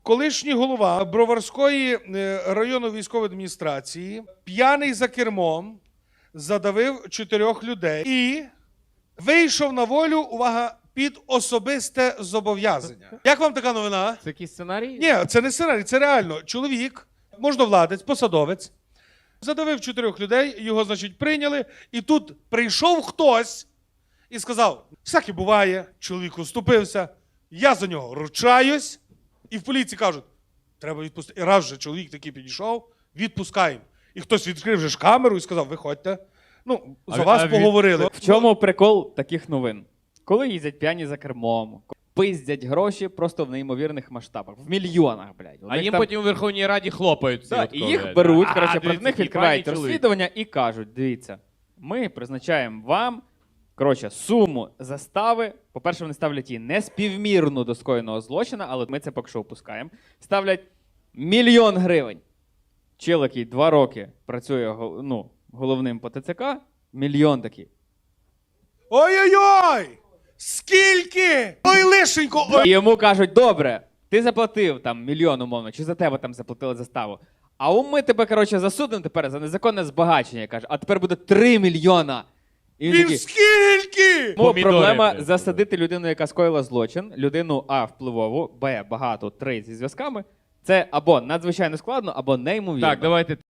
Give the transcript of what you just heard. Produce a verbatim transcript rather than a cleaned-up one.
Колишній голова Броварської е, районної військової адміністрації, п'яний за кермом, задавив чотирьох людей і вийшов на волю, увага, під особисте зобов'язання. Як вам така новина? Це якийсь сценарій? Ні, це не сценарій, це реально. Чоловік, можновладець, посадовець, задавив чотирьох людей, його, значить, прийняли, і тут прийшов хтось і сказав, всяке буває, чоловік уступився, я за нього ручаюсь, і в поліції кажуть, треба відпустити. І раз же чоловік такий підійшов, відпускаємо. І хтось відкрив же ж камеру і сказав, виходьте. Ну, за А- вас а від- поговорили. В чому прикол таких новин? Коли їздять п'яні за кермом, пиздять гроші просто в неймовірних масштабах. В мільйонах, блядь. У А них їм там- потім у Верховній Раді хлопають. Да, всі і от їх коли. беруть, А, коротше, дивіться, проти них який відкривають пані чоловік. розслідування і кажуть, дивіться, ми призначаємо вам, коротше, суму застави. По-перше, вони ставлять її не співмірну до скоєного злочина, але ми це поки що опускаємо. Ставлять мільйон гривень. Чел, який два роки працює гол- ну, головним по ТЦК, мільйон такий. Ой-ой-ой! Скільки? Ой, лишенько! Ой. І йому кажуть, добре, ти заплатив там мільйон умовно, чи за тебе там заплатили заставу. А у ми тебе, коротше, засудимо тепер за незаконне збагачення, каже, а тепер буде три мільйона. І він Він такий, скільки? тому Помідори, проблема блядь. засадити людину, яка скоїла злочин, людину А впливову, Б багато, три зі зв'язками. Це або надзвичайно складно, або неймовірно. Так, давайте